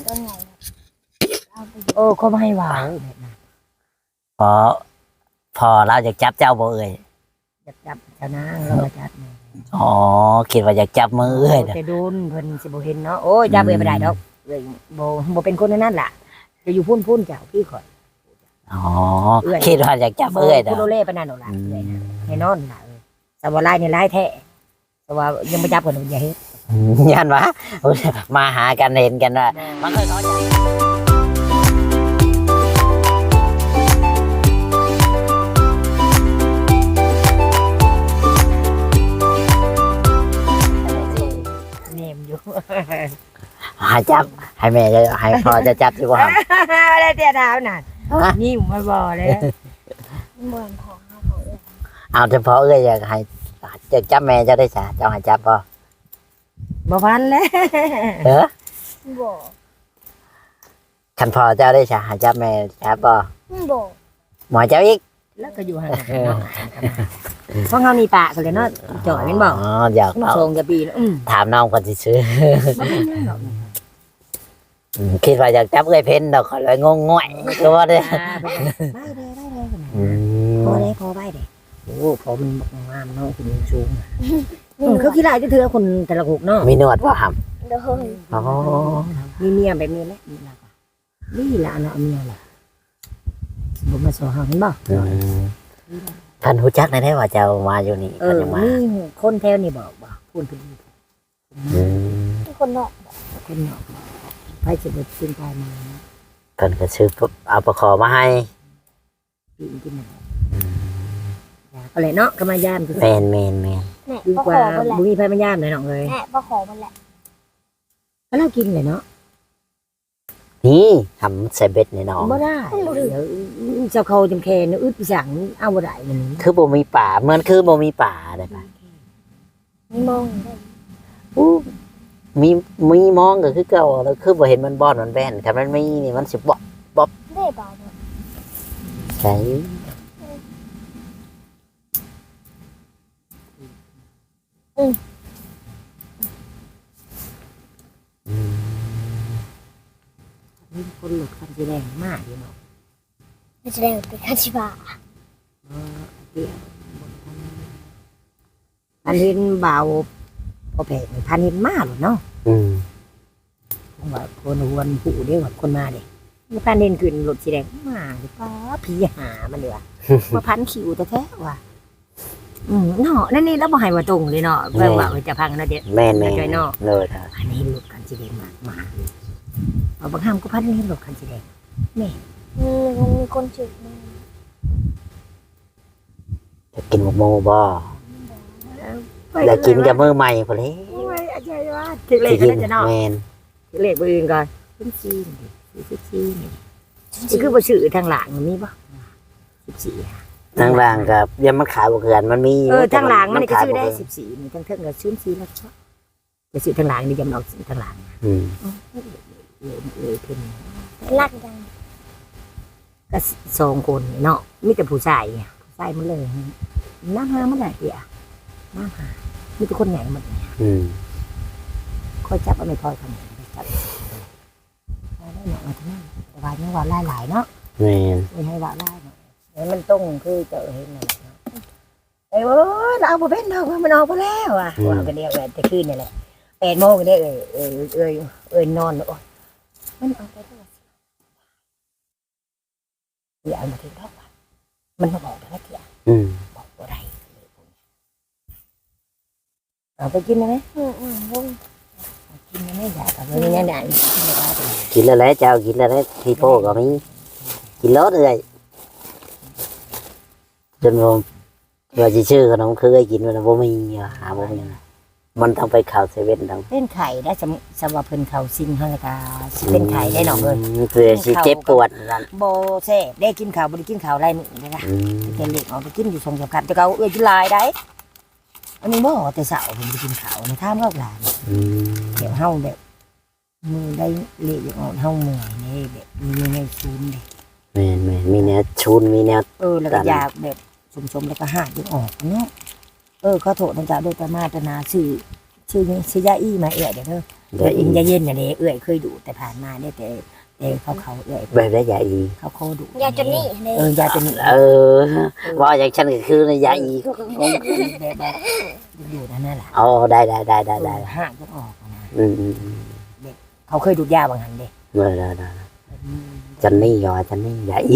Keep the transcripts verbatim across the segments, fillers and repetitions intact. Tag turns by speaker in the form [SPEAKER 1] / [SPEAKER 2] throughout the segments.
[SPEAKER 1] ต้นใหญ่เอาไป
[SPEAKER 2] โอ้เขาไม่ให้วาว
[SPEAKER 3] พอพอเราอยากจับเจ้าบ่เอ้ย
[SPEAKER 2] จับจับเจ้านางเรามาจับเนี่ย
[SPEAKER 3] อ๋อคิดว่าอยากจับมือเอ้ยน่ะ
[SPEAKER 2] แต่โดนเพิ่นสิบ่เห็นเนาะโอ้ยจับเอ้ยบ่ได้ดอกเอ้ยบ่บ่เป็นคนนั่นล่ะจะอยู่พุ่นพุ่นเจ้าพี่ข่อย
[SPEAKER 3] อ๋อคิดว่าอยากจับเอ้ย
[SPEAKER 2] บ่
[SPEAKER 3] น่ะ
[SPEAKER 2] โดเล่ปานนั้นดอกล่ะเอ้ยนะแน่นอนล่ะเอ้ยแต่ว่าลายนี่ลายแท้แต่ว่ายังบ่จับเพิ่นอย่าเฮ็ด
[SPEAKER 3] ยันวะมาหากันเห็นกันว่ามันเคยเขาจะ
[SPEAKER 2] แนมอยู่
[SPEAKER 3] หาจับให้แม่จะให้พ่อจะจับดีกว่า
[SPEAKER 2] อะไรเตี้ยดาวน่ะนี่มาบ่เลย
[SPEAKER 1] เหมือนของเขาเขาเอง
[SPEAKER 3] เอาเฉพาะเอ้ยอยากให้จะจับแม่จะได้จ้ะเจ้าให้จับป่ะ
[SPEAKER 2] บ่พันแล้ว
[SPEAKER 3] เออ
[SPEAKER 1] บอก
[SPEAKER 3] คันพ่อเจ้าได้จ้ะให้จับแม่จับป่ะ
[SPEAKER 1] บอก
[SPEAKER 3] หมอเจ้าอีก
[SPEAKER 2] แล้วก็อยู่ห่างกันเนาะเพราะเฮามีปากกันเลยเนาะจ่อยแม่นบ่
[SPEAKER 3] อ๋ออยาก
[SPEAKER 2] มา
[SPEAKER 3] เอา
[SPEAKER 2] ส่งกับปีแล้วอืม
[SPEAKER 3] ถามน้องคนที่ซื้อ
[SPEAKER 2] บ่เป็นหยังดอก
[SPEAKER 3] อืมคิดว่าอยากจับเอ้ยเพ้นดอกเขาเลยงงง่อยก็ว่าได้
[SPEAKER 2] อ่าไปเลยได้เลยได้เลย
[SPEAKER 3] อืม
[SPEAKER 2] พอได้พอได้เด้โอ้พอมันบอกงามเนาะคุณสูงอืมเขาขี้ลายจะเถื่อคนแต่ละหกเนาะ
[SPEAKER 3] มีหนวดว่าห
[SPEAKER 1] เดี๋ยวเฮ้ย
[SPEAKER 3] ำอ๋อ
[SPEAKER 2] มีเมียแบบนี้แหละมีล่ะนี่ล่ะเนาะเมียล่ะบ่มาสอหาเห็นบ่
[SPEAKER 3] อืมท่านหูจักได้ไหมว่าเจ้ามาอยู่นี่
[SPEAKER 2] เอ
[SPEAKER 3] เพิ่น
[SPEAKER 2] อ
[SPEAKER 3] ยังมา
[SPEAKER 2] นี่คนแถวนี่บอกบ่พูดเพิ่น
[SPEAKER 3] อืม
[SPEAKER 1] ที่คนนอก
[SPEAKER 2] คนเนาะไปสิบ่ขึ้นไปมา
[SPEAKER 3] เพิ่นก็ซื้อปุ๊บเอาประคอมาให้
[SPEAKER 2] ปีนกินน่ะก็เลยเนาะก็มายามคือ
[SPEAKER 3] แมนแมนแมน
[SPEAKER 1] แหน่
[SPEAKER 2] ดี
[SPEAKER 1] ประ
[SPEAKER 2] ก
[SPEAKER 1] ข
[SPEAKER 2] ว่า
[SPEAKER 1] อมันแหละ
[SPEAKER 2] บุ้ยไฟมันยามเลยน้องเลย
[SPEAKER 1] แหน่ประขอมันแหละ
[SPEAKER 2] แล้วเรากินเลยเนาะ
[SPEAKER 3] นี่ทำใส่เบ็ดในหน้อง
[SPEAKER 2] บ่ได้เดี๋ยวเจ้าเขาจำแค่เนื้ออึดไปสั่งเอาบ่ได้มัน
[SPEAKER 3] คือบ่มีป่าเหมือนคือบ่มีป่าได้ปะ
[SPEAKER 1] มีมองอยู่ได้
[SPEAKER 3] อู้มีมีมองก็คือเก่าแล้วคือบ่เห็นมันบอนมันแบนคันมันมีนี่มันสิบ่
[SPEAKER 1] ได้เปล่าเนี่ย
[SPEAKER 3] ใช่อืม
[SPEAKER 2] มีคนหลุดคันสีแดงมากอยู่เนาะ
[SPEAKER 1] มันจะได้เป็นคาชิบะ
[SPEAKER 2] เดี๋ยวพันเห็นเบาพอแผงพันเห็นมากเลยเนาะ
[SPEAKER 3] อืม
[SPEAKER 2] ผมว่าคนหวนผู้เดียวกับคนมาเด็กพันเห็นขึ้นรถสีแดงมาหรือป้าผีหามันเดือว่าพันขิวแต่แท้ว่ะอืมเนาะนั่นนี่แล้วบ่ให้มาตรงเลยเนาะเพื่อว่าจะพังนะเด็ด
[SPEAKER 3] แม่นแม่น
[SPEAKER 2] ใจเนาะ
[SPEAKER 3] เลยครับ
[SPEAKER 2] พันเห็นรถคันสีแดงมากมาเอาบางห้ามก็พันเห็นรถคันสีแดง
[SPEAKER 1] มีมันมีคนจืดมึง
[SPEAKER 3] จะกินหมกโมบ่อยากกินกับมือใหม่พอเลย
[SPEAKER 2] โอ้ยอาจารย์ว่าถึงเลขก็
[SPEAKER 3] กิ
[SPEAKER 2] น่าจะเนาะ
[SPEAKER 3] แม่น
[SPEAKER 2] ถึงเลขเบอร์อื่นก่อนขึ้นจีนสิบสี่นี่นี่คือบ่ชื่อทางหลังมันมีบ่สิบสี่
[SPEAKER 3] ทางล่างกับยังมันขายบ่เกินมันมียู่
[SPEAKER 2] เออทางหลังมันนี่ก็
[SPEAKER 3] ขาย
[SPEAKER 2] ชื่อได้
[SPEAKER 3] บ่เกิน
[SPEAKER 2] สิบสี่นี่ทางเทิงก็ชื่อสี่แล้วชอบจะชื่อทางหลังนี่ยำเอาทางหลัง
[SPEAKER 3] อืม
[SPEAKER 2] เออเออเออเพิ่น
[SPEAKER 1] ลักจัง
[SPEAKER 2] ก็สองคนเนาะมีแต่ผู้ชายเนี่ยผู้ชายหมันเลยน้ำหามันได้เดียวน้ำหามีแต่คนใหญ่หมดเนี่ย
[SPEAKER 3] อืม
[SPEAKER 2] ค่อยจับเอาไม่พอทำจับเอาได้เนาะมาทั้งนั้นแต่ว่ายังว่าหลายๆเนาะ
[SPEAKER 3] แม่น
[SPEAKER 2] ไม่ให้ว่าหลายเนาะเห็นมันตรงคือเจอเห็นนั่นแหละเนาะเอ้ยโอ้ยเราเอาไปเป็นเรามันออกไปแล้วอ่ะว่ากันเดียวกันแต่คืนนี่แหละแปดโมงกันเด้อเอ้ยเอ้ยเอ้ยเอ้ยนอนโอ้ยมันออกไปแล้วอย่าเอามาถึงรอบว่ะมันมาบอกแต่ละเทีย
[SPEAKER 3] อืม
[SPEAKER 2] บอกตัวใดเอาไปกินได้ไหม
[SPEAKER 1] อืมอืมวง
[SPEAKER 2] กินได้ไหมอยากเอาไปเนี่ยไหนกินได้ไหม
[SPEAKER 3] กินแล้วแหละเจ้ากินแล้วแหละที่โป้ก็มีกินรสเลยจนว่าว่าสิชื่อขนมคือให้กินมันบ่มีว่ะหาบ่มีมันต้องไปข่าวเซเว่นต้อง
[SPEAKER 2] เป็นไข่ได้สำสำหรับเพิ่นเขาซิงเฮาละกาเป็นไข่ได้หนองเลย
[SPEAKER 3] มเพื่อสิเจ็บปวดนั่น
[SPEAKER 2] โบแซ่บได้กินข้าวบ่ได้กินข้าวไรมื้อเลยนะ
[SPEAKER 3] อืม
[SPEAKER 2] แต่เล็กเอาไปกินอยู่สองสามคำแต่เขาเอ้ยกินหลายได้อันนี้บ่แต่เช้าผมไปกินข้าวในท่ามกับหลาน
[SPEAKER 3] อืม
[SPEAKER 2] เดี๋ยวเฮาแบบมือได้เละอย่างอ่อนเฮาเมื่อยนี่แบบมีในซูนเลย
[SPEAKER 3] แม่นแม่นมีแนวชูนมีแนว
[SPEAKER 2] เออแล้วก็อยากแบบสมๆแล้วก็หาอย่างออกเนาะเออขอโทษนะจ๊ะโดยประมาทนาชื่อชื่อนี้ชื่อยาอี้มาเอะเดี๋ยวเด้อ
[SPEAKER 3] เดี๋ยว
[SPEAKER 2] อิ
[SPEAKER 3] อี
[SPEAKER 2] นจะเย็นอย่างนี้เอื้อยเคยดูแต่ผ่านมาเนี่ยแต่แต่เขาเขาเอื้อย
[SPEAKER 3] แบบได้ยาอี
[SPEAKER 2] เขาโคดู
[SPEAKER 1] ยาจนนี่เลย
[SPEAKER 2] เออยาจะนี่
[SPEAKER 3] เออว่าอย่างฉันก็คือในยาอีก็งง
[SPEAKER 2] แบบแบบอยู่นั่นน่ะแหละ
[SPEAKER 3] อ๋อได้ได้ได้ได้ได้
[SPEAKER 2] ห้างก็ออกนะ
[SPEAKER 3] อืมอืมอืม
[SPEAKER 2] เขาเคยดูดยาบางหันเด้
[SPEAKER 3] ได้ได้ได้จันนี่ยอจันนี่ยาอี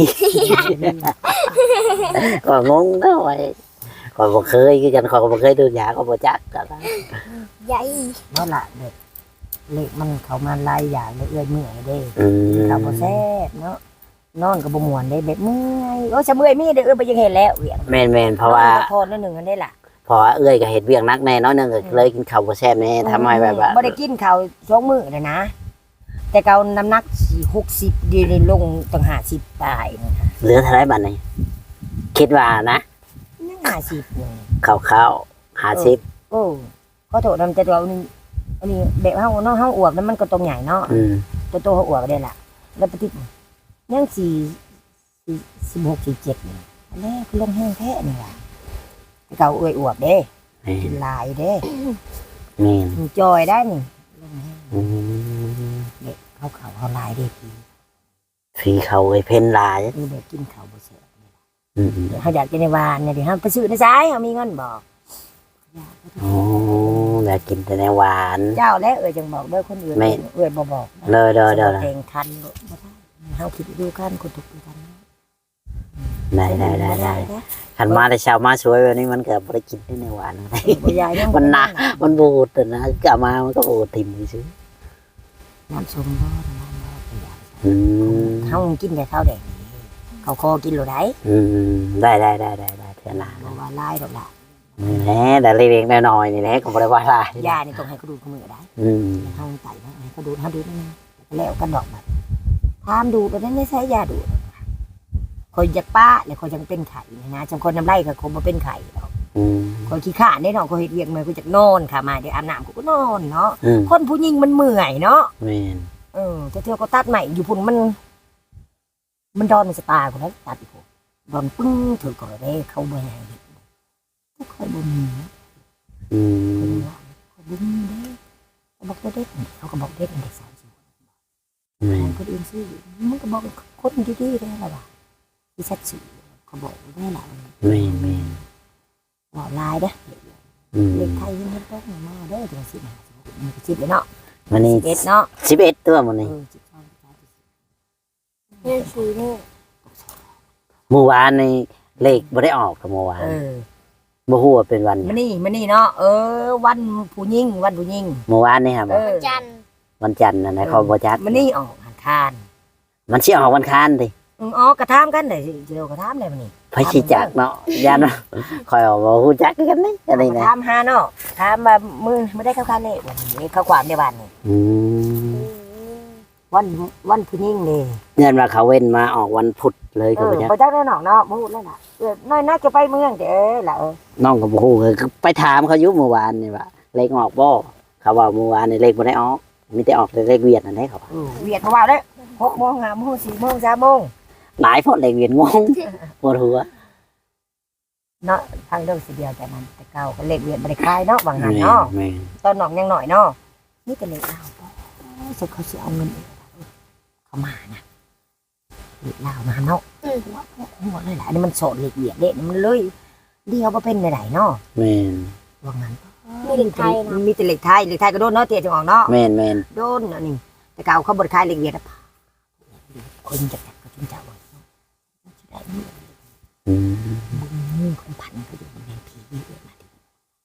[SPEAKER 3] ก็งงนะไว้ก็บ่เคยคือกันก็บ่เคยดูยาก็บ่จักก็ได้
[SPEAKER 1] ใหญ่
[SPEAKER 2] เพราะละเด็กเล็กมันเขามาไล่อย่างเลยเอื้อยเมื่อยเด้
[SPEAKER 3] อืม
[SPEAKER 2] เขาบ่แซ่บเนาะนอนก็บ่ม่วนได้แบบเมื่อยโอ้จะเมื่อยมีเด้อเอื้อยไปยังเห็นแล้วเวียง
[SPEAKER 3] แม่นแม่นเพราะว่า
[SPEAKER 2] พอนิดนึงอันนี้ล่ะ
[SPEAKER 3] เพราะว่าเอื้อยก็เฮ็ดเวียงนักแน่น้อยหนึงก็เลยกินข้าวบ่แซ่บแน่ทำให้แบบว่า
[SPEAKER 2] บ่ได้กินข้าวสองมื้อเลยนะ แต่เกาน้ำหนักหกสิบดีเลยลงตั้งห้าสิบปลายนะคะ
[SPEAKER 3] เหลือเท่าไหร่บัดนี้คิดว่านะ
[SPEAKER 2] ยังห้าสิบอยู่
[SPEAKER 3] ข้าวๆห้าสิบ
[SPEAKER 2] โอ้ขอโทษนำแต่ตัวนี้อันนี้แบบเฮาเนาะเฮาอวบแล้วมันก็ตรงใหญ่เนาะ
[SPEAKER 3] อืม
[SPEAKER 2] ตัวโตเฮาอวบได้ล่ะ แล้วปฏิทินยังสี่สี่สิบหกสี่เจ็ดนี่อันนี้คือลงแห้งแท้นี่ล่ะแต่เก่าอวยอวบเด้
[SPEAKER 3] แม่
[SPEAKER 2] กิ
[SPEAKER 3] น
[SPEAKER 2] นหลายเด้
[SPEAKER 3] แม่น
[SPEAKER 2] มันจอยได้นี่ลงแห้ง
[SPEAKER 3] อืม
[SPEAKER 2] เด็กเขาเขาเขาหลายเด้พี่
[SPEAKER 3] ฝีเขาไอ้เพ่นหลาย
[SPEAKER 2] นี่เด็กกินเขาวบ่แซ่บ
[SPEAKER 3] อืม
[SPEAKER 2] เขาอยากกินในวานเนี่ยเดี๋ยวเขาไปซื้อในซ้ายเขามีเงินบอก
[SPEAKER 3] อ๋อแล้วกินแต่ในหวาน
[SPEAKER 2] เจ้าและเอ่ยจังบอกเด้อคนอื่น
[SPEAKER 3] ไม่
[SPEAKER 2] เอ่ยบ่บอก
[SPEAKER 3] เลยเด้อเด้อ
[SPEAKER 2] เพลงคันบ่ได้เขาคิดดูกันคนทุกข์ดูกัน
[SPEAKER 3] ได้ได้ได้ได้ขันมาแต่เช้ามาสวยวันนี้มันเกิดบ่ได้กินได้ในหวานอะไร
[SPEAKER 2] บ่ยายยัง
[SPEAKER 3] มันหนัก มันบูดแต่นะกลับมามันก็บูดทิ่มซื้อ
[SPEAKER 2] น้ำส้มบ่น้ำบ่บ่ยาย
[SPEAKER 3] อืม
[SPEAKER 2] เขากินแต่ข้าวแดงเขาคอกินหรือได
[SPEAKER 3] อืมได้ได้ได้ได้ได้เท่านั้น
[SPEAKER 2] บ่ว่าลายดอกล่ะ
[SPEAKER 3] นี่แหละแต่เล็กๆน้อยๆนี่แหละก็บ่ได้ว่าอะไร
[SPEAKER 2] ยานี่ต้องให้เขาดูดเขามือได้
[SPEAKER 3] อืม
[SPEAKER 2] เขาไต่ให้เขาดูดเขาดูดนั่นแล้วกันดอกบัดทามดูดแล้วนั่นไม่ใช่ยาดูดคอยจะป้าแล้วคอยยังเป็นไข่นะจังคนน้ำไร่ก็คงมาเป็นไข่ดอก
[SPEAKER 3] อืม
[SPEAKER 2] คอยขี้ข้านได้เนาะคอยเฮ็ดเวียงมาคอยจะนอนค่ะมาเดี๋ยวอาบน้ำกูก็นอนเนาะ
[SPEAKER 3] อืม
[SPEAKER 2] คนผู้หญิงมันเมื่อยเนาะ
[SPEAKER 3] แม่น
[SPEAKER 2] เออแต่เที่ยวก็ตัดใหม่อยู่พุ่นมัน มันดอนมันสตาร์คนนั้นตัดอีกพวกดอนปึ้งถือก่อนเลยเขาบ่ให้เฮ็ดก็ค่อยบ่มี
[SPEAKER 3] อื
[SPEAKER 2] เขา
[SPEAKER 3] ม
[SPEAKER 2] ว่าเขาบ่มีเด้เขาบอกตัวเด็กเขาก็บอกเด็กเด็กสาวสิ
[SPEAKER 3] แม่น
[SPEAKER 2] คนอื่นซื้อมันก็บอกคนดีๆได้ล่ะว่ะที่ชัดสื่อเขาบอกได้ล่ะ
[SPEAKER 3] แม่นแม่น
[SPEAKER 2] ว่าลายเด้อ
[SPEAKER 3] อืม
[SPEAKER 2] เด็กไทยยังไม่ต้องมาเด้อถึงสิบห้ามันก็สิบเลยเนาะ
[SPEAKER 3] วันนี้
[SPEAKER 2] สิบเอ็ดเนาะ
[SPEAKER 3] สิบเอ็ดตัวมันนี่
[SPEAKER 2] เออสิบสองสิบสามสิบสี่
[SPEAKER 1] นี่คือนี่
[SPEAKER 3] เมื่อวานนี่เลขบ่ได้ออกกับเมื่อวาน
[SPEAKER 2] เออ
[SPEAKER 3] บ่ฮู้ว่าเป็นวันหยั
[SPEAKER 2] มาง นี่มานี่เนาะเออ วันผู้หญิงวันผู้หญิง
[SPEAKER 3] เมื่อวานนี่ครับ
[SPEAKER 2] เออ
[SPEAKER 1] จันทร์
[SPEAKER 3] วันจันทร์นะนะเขาบ่จัด
[SPEAKER 2] มานี่ออกหันคาน
[SPEAKER 3] มันสิออกวันค้านดิ
[SPEAKER 2] อืออ๋อกระทามกันได้สิเจียวกระทามได้มานี่
[SPEAKER 3] ไผสิจักเนาะยานว่าคอยเอาบ่ฮู้จักกันนี่อันนี้
[SPEAKER 2] กระ
[SPEAKER 3] นะ
[SPEAKER 2] ทามหาเนาะถามมามือไม่ได้เข้าคานเลยวันนี้เข้าความในบ้านนี่
[SPEAKER 3] อืม
[SPEAKER 2] วันวันผู้หญิงเลย
[SPEAKER 3] ยันว่าเขาเว้นมาออกวันพุธเลย
[SPEAKER 2] เอ
[SPEAKER 3] ก็
[SPEAKER 2] อ
[SPEAKER 3] บ่จัก
[SPEAKER 2] พอจักได้หนอกเนาะพูดแล้วล่ะเออน้อยน่าจะไปเมืองเด้อล่ะเออ
[SPEAKER 3] น้องก็บ่ฮู้คือไปถามเขาอยู่เมื่อวานนี่ว่าเลขออกบ่เขาว่าเมื่อวานนี่เลขบ่ได้ออกมีแต่ออกแต่เลขเวียดนั่นแหละเขาว่า
[SPEAKER 2] เออเวียดมาว่าเด้อหกโมงห้าโมงสี่โมงสามโมง
[SPEAKER 3] หลายพอเลขเวียดงงปวดหัว
[SPEAKER 2] เนาะทางเรื่องสิเดียวแต่มันแต่เก่าก็เล็กเวียนบริคายเนาะบางหัน
[SPEAKER 3] แม่
[SPEAKER 2] เนาะ
[SPEAKER 3] แม่
[SPEAKER 2] ตอนหนองยังหน่อยเนาะนี่แต่เล็กเล่าสุดเขาสิเอาเงินเขามานะเล็กเล่ามาเนาะหัวหัวเลยแหละนี่มันโสดเล็กเวียดเด็ดมันเลยเดียวมาเป็นไหนเนาะ
[SPEAKER 3] แม่น
[SPEAKER 2] บางหัน
[SPEAKER 1] มีเด็กไทยนะ
[SPEAKER 2] มีแต่เล็กไทยเล็กไทยก็โดนเนาะเตี้ยจังหวะเนาะ
[SPEAKER 3] แม่นแม่น
[SPEAKER 2] โดนอันนี้แต่เก่าเขาบริคายเล็กเวียดคนจะจับก็จิ้งเจ้าบ่ได้
[SPEAKER 3] อืม
[SPEAKER 2] มือคนพันก็อยู่ในผีเยอะมาที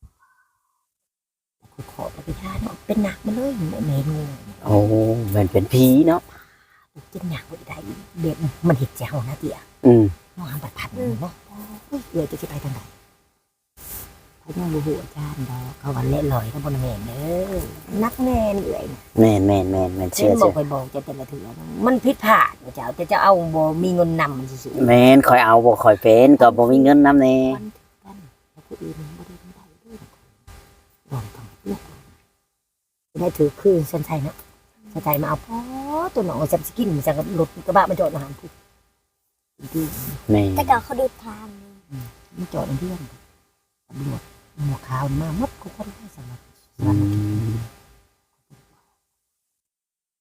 [SPEAKER 2] แต่ขอไปทานเป็นหนักมาเลยเมนู
[SPEAKER 3] โอ้มันเป็นผีเนาะ
[SPEAKER 2] กินหนักไปได้เด็กมันเห็ดเจ้านะเตี่ย
[SPEAKER 3] อืม
[SPEAKER 2] มองปัดพันเนาะเดี๋ยวจะไปทางไหนพระยังบูหูอาจารย์ดอกเขาวันเละลอยทั้งบนเมนเด้อนักแน่นี่เลย
[SPEAKER 3] แม่นแม่นแม่นแม่น
[SPEAKER 2] เชื่
[SPEAKER 3] เชื่
[SPEAKER 2] อ
[SPEAKER 3] อ
[SPEAKER 2] บอ
[SPEAKER 3] เชื่
[SPEAKER 2] ก
[SPEAKER 3] อ
[SPEAKER 2] ไปบอกจะแต่ละเถื่อมันผิดพลาดเจ้าจะจะเอาบ่มีเงินนำมันสิ
[SPEAKER 3] แม่นคอยเอาบ่คอยเป็นก็บ่มีเงินนำแน่
[SPEAKER 2] วันกันแล้วก็อื่นบ่ได้ได้ด้วยลองทำเลือกได้ถือคือสันชัยเนาะสันชัยมาเอาพ่อตัวหนองสับสกินมันจะรถกระบะมันจอดอาหารผู้ที่
[SPEAKER 3] แม่
[SPEAKER 1] แต่ก่อนเขาดูทาง
[SPEAKER 2] มันจอดเพื่อนตำรวจหมวกขาวมามัดกูคนได้สมัคร
[SPEAKER 3] อืม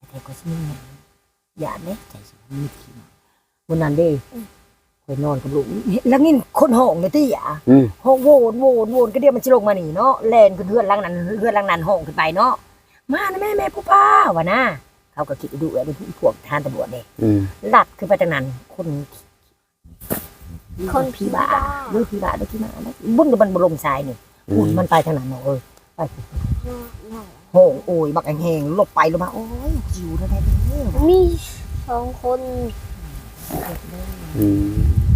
[SPEAKER 2] แท้ก็สิมีอย่าเด้ใจสิมีขี้วันนั้นเด้ไปนอนกับลูกแล้วนี่คนห้องเลยติอ่ะ
[SPEAKER 3] อืม
[SPEAKER 2] ห้องโวนโวนโวนก็เดี๋ยวมันสิลงมานี่เนาะแล่นขึ้นเฮือนหลังนั้นเฮือนหลังนั้นห้องขึ้นไปเนาะมานะแม่แม่ผู้ป้าว่านะเขาก็คิดดูไอ้พวกทหารตำรวจเด้
[SPEAKER 3] อืม
[SPEAKER 2] ลัดขึ้นไปจากนั้นคน
[SPEAKER 1] คนผีบ้า
[SPEAKER 2] หรือผีบ้าหรือผีบ้านะบุ้นกับมันบลงทรายนี่
[SPEAKER 3] อื
[SPEAKER 2] อุ่
[SPEAKER 3] ม
[SPEAKER 2] นมันไปทางนั้นเนาะเออไป
[SPEAKER 1] เนาะ
[SPEAKER 2] โหงโอยบักแหงๆลบไปลงมาโอ้ยจิวแล้วแท้เด้อ
[SPEAKER 1] มีสองคน
[SPEAKER 3] อืม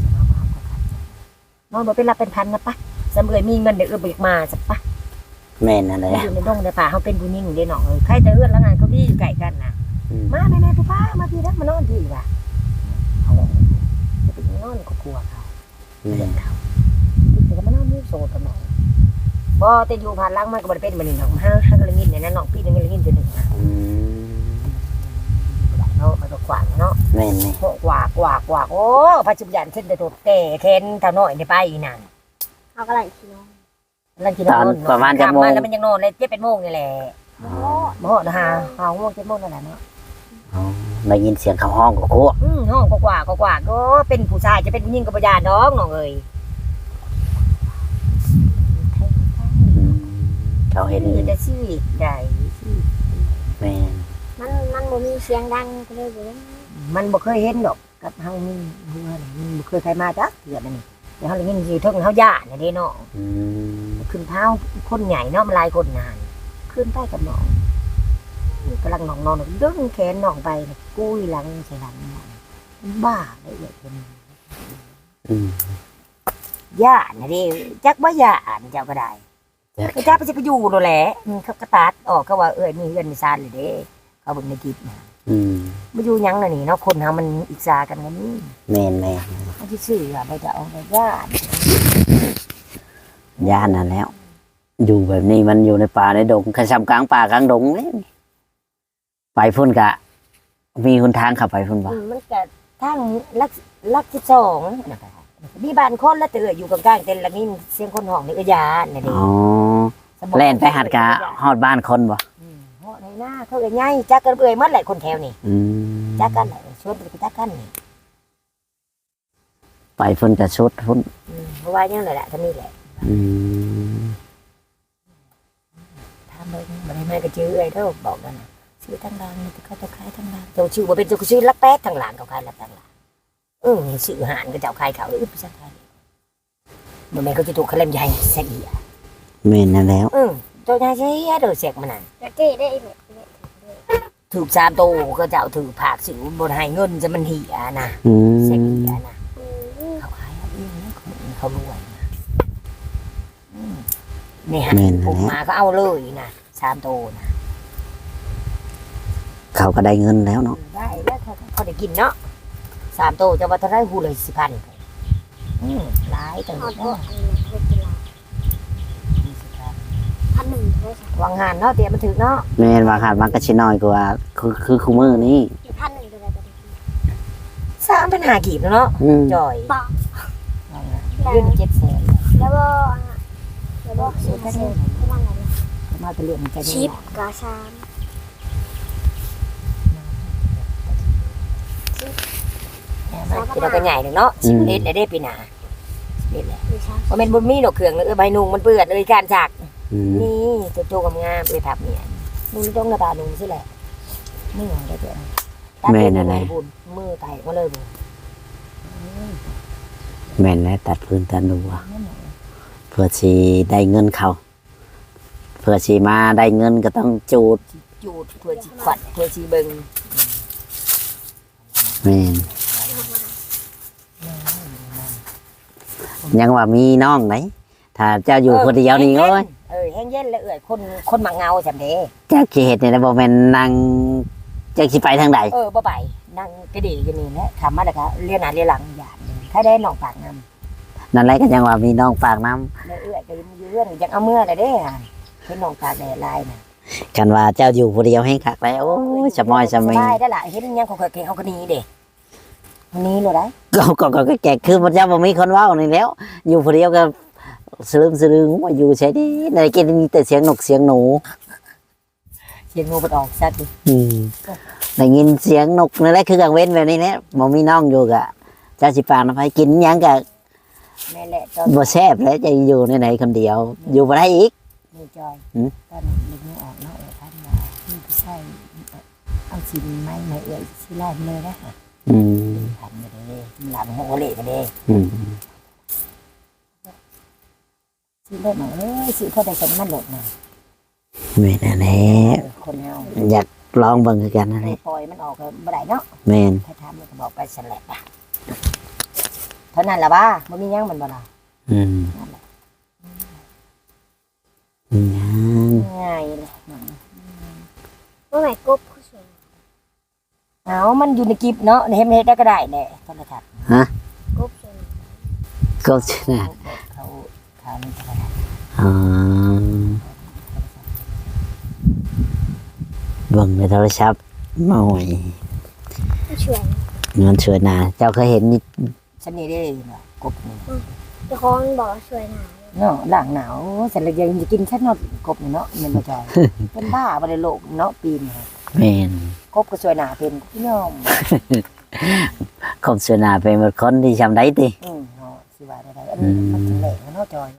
[SPEAKER 2] นอนบ่เป็นรับเป็นพันนะปะสำเร็จมีเงินเดี๋ยวเออเบิกมาสักปะ
[SPEAKER 3] แม่นนั่นแหละ
[SPEAKER 2] อยู่ในดงในป่าเขาเป็นผู้หญิงเด้เนาะเออใครแต่เอื้อนแล้วงานเขาดีอยู่ไก่กันนะ
[SPEAKER 3] อืม
[SPEAKER 2] มาแม่แม่ผู้ป้ามาพี่นะมานอนพี่ว่ะเขาจะไปนอนก็กลัวเขา
[SPEAKER 3] อื
[SPEAKER 2] เพื่อ
[SPEAKER 3] ม
[SPEAKER 2] นเขาพี่ก็มานอนนี่โซดกันหน่อยบ่แต่อยู่ผ่านหล่างมันก็บ่ได้เป็นมันนี่เนาะห้าห้าก็เลยงินเนี่ยนะน้องพี่นึงเลยงินตัวหนึ่งนะ
[SPEAKER 3] อืม
[SPEAKER 2] เนาะมันก็ขวางเนาะ
[SPEAKER 3] แม่นนี่
[SPEAKER 2] โหกว่ากว่ากว่าโอ้ปัจจุบันขึ้นแต่ตัวแต่เคนเท่าน้อยในไปอีนั่น
[SPEAKER 1] เอากระไรขี้น้อง
[SPEAKER 2] นั่นกินนอน
[SPEAKER 3] ประมาณจะโมง
[SPEAKER 2] แล้วมันยังนอนเลยเจ็ดเป็นโมงนี่แหละ
[SPEAKER 1] โอ้
[SPEAKER 2] โมงนะฮะห้าโมงเจ็ดโมงนั่นแหละเนาะ
[SPEAKER 3] อ๋อได้ยินเสียงเขาห้องก็โอ้
[SPEAKER 2] อืมห้องกว่ากว่ากว่าก็เป็นผู้ชายจะเป็นผู้หญิงกับปัญญาน้องน้องเอ้ย
[SPEAKER 3] อืมเขาเห็น
[SPEAKER 2] นี่จะชีวิตใหญ่
[SPEAKER 3] แม่น
[SPEAKER 1] มันมันบ่มีเสียงดังก็เลยบ่ได้
[SPEAKER 2] มันบ่เคยเห็นดอกกับเฮานี่เฮือนี่มันบ่เคยใครมาจักเถื่อนั่นนี่เดี๋ยวเฮาเลยยินอยู่เทิงเฮาย่าเนี่ยเด้เนาะ
[SPEAKER 3] อืม
[SPEAKER 2] ขึ้นเท้าคนใหญ่เนาะมันหลายคนนานขึ้นไปกับน้องกำลังนอนนอนดึงแขนน้องไปกุ้ยหลังใส่หลังน้องบ้าได้เลยเป็น
[SPEAKER 3] อืม
[SPEAKER 2] ย่าเนี่ยดิจักว่าย่าเจ้าก็ได้
[SPEAKER 3] จัก
[SPEAKER 2] ไอ้จ้าไปจะไปอยู่โดนแหละอืมเขากระตัดออกเขาว่าเอ้ยมีเงินมีซานเลยเด้เขาเบิ่งในคลิปนะ
[SPEAKER 3] อืม
[SPEAKER 2] มาอยู่หยังน่ะนี่เนาะคนเฮามันอิจฉากันกันนี่
[SPEAKER 3] แม่นแม่น
[SPEAKER 2] เขาที่ซื้ออะไปจะเอาไปย่า
[SPEAKER 3] ย่านนั่นแล้ว อยู่แบบนี้มันอยู่ในป่าในดงขชำกลางป่ากลางดงเลยไปพุ่นกะ มีคนทางขับไปพุ่นบ่
[SPEAKER 2] อืมมันก็ทั้งลักลักที่สองนะคะมีบ้านคนแล้วเตืออยู่กลางๆเต็นละนี่เสียงคนห้องนี่ก็ยานนี่ดิ
[SPEAKER 3] อ๋อแล่นไปหัดกะฮอดบ้านคนบ่
[SPEAKER 2] อืมเหาะในหน้าเขาเอ้ยใหญ่จักกันเอ้ยหมดแหละคนแถวนี่
[SPEAKER 3] อืม
[SPEAKER 2] จักกันแหละชวนไปจักกันนี่
[SPEAKER 3] ไปพุ่นจะชุดพุ่น
[SPEAKER 2] อืมเพราะว่ายังไงแหละท่านี่แหละ
[SPEAKER 3] อืม
[SPEAKER 2] ทำเลยบ่ได้มาก็ชื่อเอ้ยเด้อบอกกันน่ะชื่อทางหลังนี่เขาจะขายทางหลังเจ้าชื่อบ่เป็นเจ้าชื่อลักแป๊ดทางหลังเขาขายลักทางหลังเออชื่อหานก็เจ้าขายเขาอึบซะขายบ่แม่นเขาจะถูกเขาเล่มใหญ่ซะอีอ่ะ
[SPEAKER 3] แม่นนั่นแล้ว
[SPEAKER 2] เออเจ้าใหญ่ใช่เด้อเสกมันนั่น
[SPEAKER 1] แต่เจ๊ได้อีกแบบนี้
[SPEAKER 2] ถูกสามโตก็เจ้าถือผากสิวบ่ให้เงินจะมันเหียนะ
[SPEAKER 3] อืม
[SPEAKER 2] เสียเหียนะ
[SPEAKER 1] อืม
[SPEAKER 2] เขาขายเอาเองนะเขาเขารวยนะอืมนี่ฮะ
[SPEAKER 3] แม่น
[SPEAKER 2] ผ
[SPEAKER 3] นั่น
[SPEAKER 2] ม
[SPEAKER 3] แห
[SPEAKER 2] มา
[SPEAKER 3] ละ
[SPEAKER 2] ก็เอาเลยนะสามโตนะ
[SPEAKER 3] เขาก็ได้เงินแล้วเนาะ
[SPEAKER 2] ได้แล้วเขาเขาได้กินเนาะสามโตจะว่าเท่าไรหูเลยสิพันอืมหลายแต่
[SPEAKER 1] เอา
[SPEAKER 2] ก็
[SPEAKER 1] ตัวอันนี้เวทีลาพันหนึ่งเลยค่ะ
[SPEAKER 2] วางงานเนาะเตรียมมันถึงเนาะ
[SPEAKER 3] แม่นว่าขาดมันก็ชิน้อยกว่าคือคือคู่มือนี่
[SPEAKER 1] อีกพันหนึ่งเลยแต่
[SPEAKER 2] สามปัญหากีบเนาะ
[SPEAKER 3] อืม
[SPEAKER 2] จ่อย
[SPEAKER 1] ปอก
[SPEAKER 2] วางงานเรื่องเจ็ดแสน
[SPEAKER 1] แล้วก็แล้วก็สี่เซนประมาณไหน
[SPEAKER 2] มาเป็นเรื่องใจ
[SPEAKER 1] ชิ
[SPEAKER 2] เย็
[SPEAKER 1] ป
[SPEAKER 2] น
[SPEAKER 1] กาชาม
[SPEAKER 2] ปีเราก็ใหญ่หนึ่งเนาะสิบเอ็ดได้ปีหนาสิบเอ็ดแหละ
[SPEAKER 1] หรือชาม
[SPEAKER 2] ว่าเป็นบุญมีดอกเครื่องเออใบนุ่งมันเปื้อนเลยการฉาก
[SPEAKER 3] อืม
[SPEAKER 2] นี่ตัวโตกับงามเอทับเนี่ยนุ่งต้องระบาดนุ่งสิแหละนี่ของได้เจ้าบุญมือไตก็เลยบุญ
[SPEAKER 3] แม่นแล้วตัดพื้นตัดนัวเพื่อสิได้เงินเขาเพื่อสิมาได้เงินก็ต้องจูด
[SPEAKER 2] จูดเพื่อชีขวัญเพื่อชีเบิง
[SPEAKER 3] แม่นยังว่ามีน้องไหนถ้าเจ้าอยู่คนเดียวนี่โอ้ย
[SPEAKER 2] เออแห้งเย็นเลยเอ่ยคนคนมักเงาจำเด้
[SPEAKER 3] เจ้าขี้เห็ดเนี่ยนะบ่แม่นนั่งจักสิไปทางใด
[SPEAKER 2] เออบ่ไปนั่งกระดิ่งกันนี่แหละทำมาแล้วก็เรียนหน้าเรียนหลังอย่างถ้าได้น้องปากน้ำ
[SPEAKER 3] นั่นแหละก็ยังว่ามีน้องปากน้ำ
[SPEAKER 2] เอื้อยก็ยืเรื่องยังเอาเมื่อเลยเด้เห็นน้องปากแดดลายน่ะ
[SPEAKER 3] กันว่าเจ้าอยู่คนเดียวให้คักแล้วโอ้ยสมอยสมิง
[SPEAKER 2] สบายได้ละเห็นยังเขาเคยเก่งเขาก็หนีเด้มันหนี้เลยได้
[SPEAKER 3] ก็ก็ก็ก็แก่คือพระเจ้าบ่มีคนเว้านี่แล้ว อยู่คนเดียวก็สลืมสลืงว่าอยู่ใช่ดิได้กินมีแต่เสียงนกเสียงหนู
[SPEAKER 2] เสียงงูมันออกซัดดิ
[SPEAKER 3] อืมได้ยินเสียงนกนั่นแหละคือกลางเว้นแบบนี้แหละบ่มีน้องอยู่กะจะสิปากนะไปกินหยังกะ
[SPEAKER 2] แม่แหละตอน
[SPEAKER 3] บ่แซ่บแล้วจะอยู่ในไหนคนเดียว อยู่บ่ได้อีก
[SPEAKER 2] นี่จอย
[SPEAKER 3] หืม
[SPEAKER 2] ตอนเล็กงูออกเนาะเออท่านมานี่พี่ใช่เอาชิ้นไม้ไม้เอ่ยชิ้นแรกเลยนะ
[SPEAKER 3] อืม
[SPEAKER 2] ทำกันเลยหลังหัวเละกันเลย
[SPEAKER 3] อืม
[SPEAKER 2] ชิ้นเล็กหน่อยเอ้ยชิ้นเท่าใดกันมันหลดหน่อย
[SPEAKER 3] แม่นั่นแหละ
[SPEAKER 2] คนเฮา
[SPEAKER 3] อยากลองเบิ่งคือกันนั่นแหละ
[SPEAKER 2] ปล่อยมันออกก็บ่ได้เนาะ
[SPEAKER 3] แม่น
[SPEAKER 2] ถ้าทำมันก็บอกไปสลับอ่ะเท่านั้นล่ะบ้ามันมีหยังมันบ่ล่ะ
[SPEAKER 3] อืม
[SPEAKER 2] นั่นแหละ
[SPEAKER 3] ยัง
[SPEAKER 2] ง่ายเลย
[SPEAKER 1] ว่าไหนกบผู้ชาย
[SPEAKER 2] เอามันอยู่ในกิฟเนาะเฮ็ดเฮ็ดได้ก็ได้แหละโทรทัศน์
[SPEAKER 1] กบชาย
[SPEAKER 3] ก็ชนะ
[SPEAKER 2] เขาเขานี่ก็ได้
[SPEAKER 3] อ๋อเบิ่งในโทรศัพท์มาหอย
[SPEAKER 1] ผู้ชาย
[SPEAKER 3] มันสวยนาเจ้าเคยเห็นนี่
[SPEAKER 2] ฉันนี่ได้เนาะกบนี่
[SPEAKER 1] เจ้าของบอกว่าช่วยหนา
[SPEAKER 2] เนาะหลังหนาวเสร็จแล้วยังจะกินแค่นอดกบนี่เนาะมันบ่จอยเป็นบ้าบ่ได้โลกเนาะปีนี้
[SPEAKER 3] แม่น
[SPEAKER 2] กบก็สวยหนาเป็นพี่น้อง
[SPEAKER 3] คงสวยนาเป็นหมดคนที่จำได้ติ
[SPEAKER 2] อืมเนาะสิว่าได้ๆอันนี้มันถึงแหลงเนาะจอย